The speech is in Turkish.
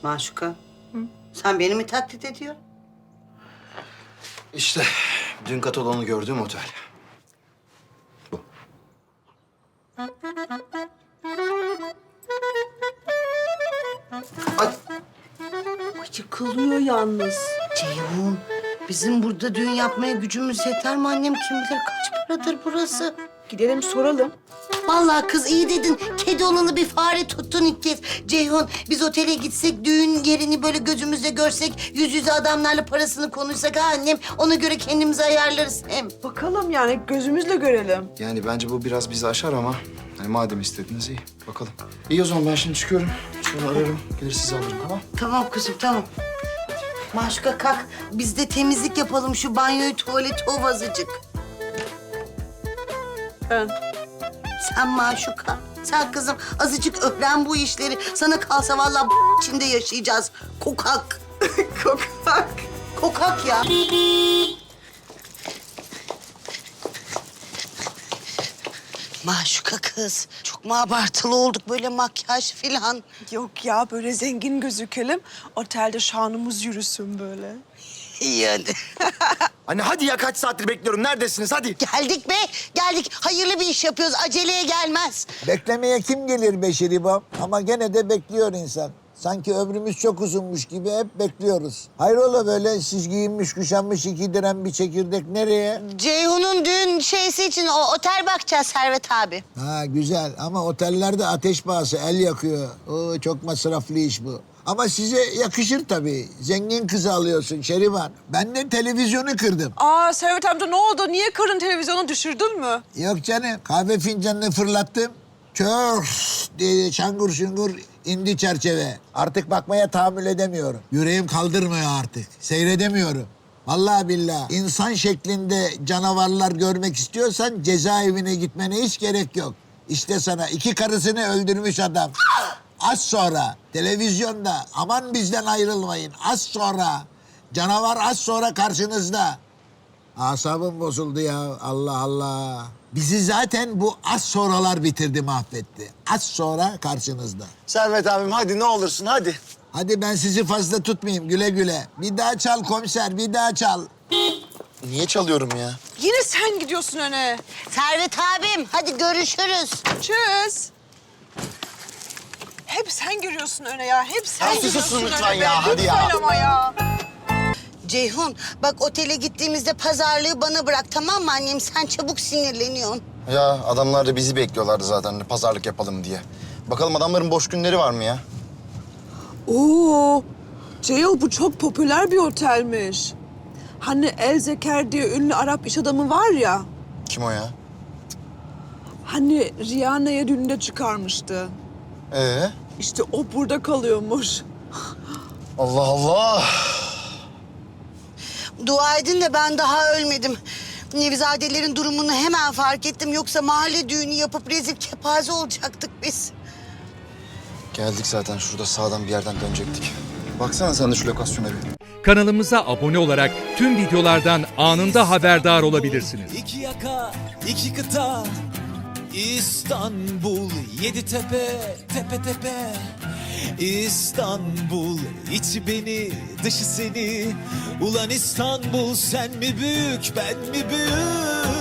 Maşuka, sen beni mi taklit ediyorsun? İşte dün katalonu gördüğüm otel. Bu. Ay, Yıkılıyor yalnız. Ceyhun, bizim burada düğün yapmaya gücümüz yeter mi annem? Kim bilir kaç paradır burası? Gidelim soralım. Vallahi kız iyi dedin. Kedi olalı bir fare tuttun ilk kez. Ceyhun, biz otele gitsek, düğün yerini böyle gözümüzle görsek, yüz yüze adamlarla parasını konuşsak ha annem. Ona göre kendimizi ayarlarız hem. Bakalım yani gözümüzle görelim. yani bence bu biraz bizi aşar ama hani madem istediniz iyi. Bakalım. İyi o zaman ben şimdi çıkıyorum. Sonra ararım. Gelir sizi alırım tamam. Tamam kızım, tamam. Maşuka kalk, biz de temizlik yapalım şu banyoyu, tuvaleti ov azıcık. Ben. Sen Maşuka, sen kızım azıcık öğren bu işleri. Sana kalsa vallahi içinde yaşayacağız. Kokak. Kokak. Kokak ya. Maşuka kız, çok mu abartılı olduk böyle makyaj filan? Yok ya böyle zengin gözükelim. Otelde şanımız yürüsün böyle. Yani. Anne hadi ya kaç saattir bekliyorum. Neredesiniz hadi. Geldik be, geldik. Hayırlı bir iş yapıyoruz, aceleye gelmez. Beklemeye kim gelir be Şeribam? Ama gene de bekliyor insan. Sanki ömrümüz çok uzunmuş gibi hep bekliyoruz. Hayrola böyle siz giyinmiş kuşanmış iki diren bir çekirdek nereye? Ceyhun'un düğün şeysi için o otel bakacağız Servet abi. Ha güzel ama otellerde ateş pahası el yakıyor. Oo, çok masraflı iş bu. Ama size yakışır tabii. Zengin kızı alıyorsun Şeriban. Ben de televizyonu kırdım. Aa Servet amca ne oldu? Niye karın televizyonu düşürdün mü? Yok canım kahve fincanını fırlattım. Çörs diye şangur şungur indi çerçeve. Artık bakmaya tahammül edemiyorum. Yüreğim kaldırmıyor artık. Seyredemiyorum. Vallahi billahi insan şeklinde canavarlar görmek istiyorsan cezaevine gitmene hiç gerek yok. İşte sana iki karısını öldürmüş adam. Az sonra televizyonda aman bizden ayrılmayın. Az sonra canavar az sonra karşınızda. Asabım bozuldu ya. Allah Allah. Bizi zaten bu az sonralar bitirdi, mahvetti. Az sonra karşınızda. Servet abim hadi ne olursun hadi. Hadi ben sizi fazla tutmayayım. Güle güle. Bir daha çal komiser, bir daha çal. Niye çalıyorum ya? Yine sen gidiyorsun öne. Servet abim, hadi görüşürüz. Çöz. Hep sen giriyorsun öne ya. Hep sen Ya giriyorsun susun öne. lütfen be. ya, hadi ya. Lütfen ama ya. Ceyhun, bak otele gittiğimizde pazarlığı bana bırak tamam mı annem? Sen çabuk sinirleniyorsun. Ya adamlar da bizi bekliyorlardı zaten pazarlık yapalım diye. Bakalım adamların boş günleri var mı ya? Oo. Ceyhun bu çok popüler bir otelmiş. Hani El Zeker diye ünlü Arap iş adamı var ya. Kim o ya? Hani Rihanna'ya düğünde çıkarmıştı. İşte o burada kalıyormuş. Allah Allah. Dua edin de ben daha ölmedim. Nevizadelerin durumunu hemen fark ettim. Yoksa mahalle düğünü yapıp rezil kepaze olacaktık biz. Geldik zaten şurada sağdan bir yerden dönecektik. Baksana sen de şu lokasyona bir. Kanalımıza abone olarak tüm videolardan anında haberdar olabilirsiniz. İki yaka, iki kıta, İstanbul, yedi tepe, tepe tepe. İstanbul, içi beni, dışı seni. Ulan İstanbul, sen mi büyük, ben mi büyük?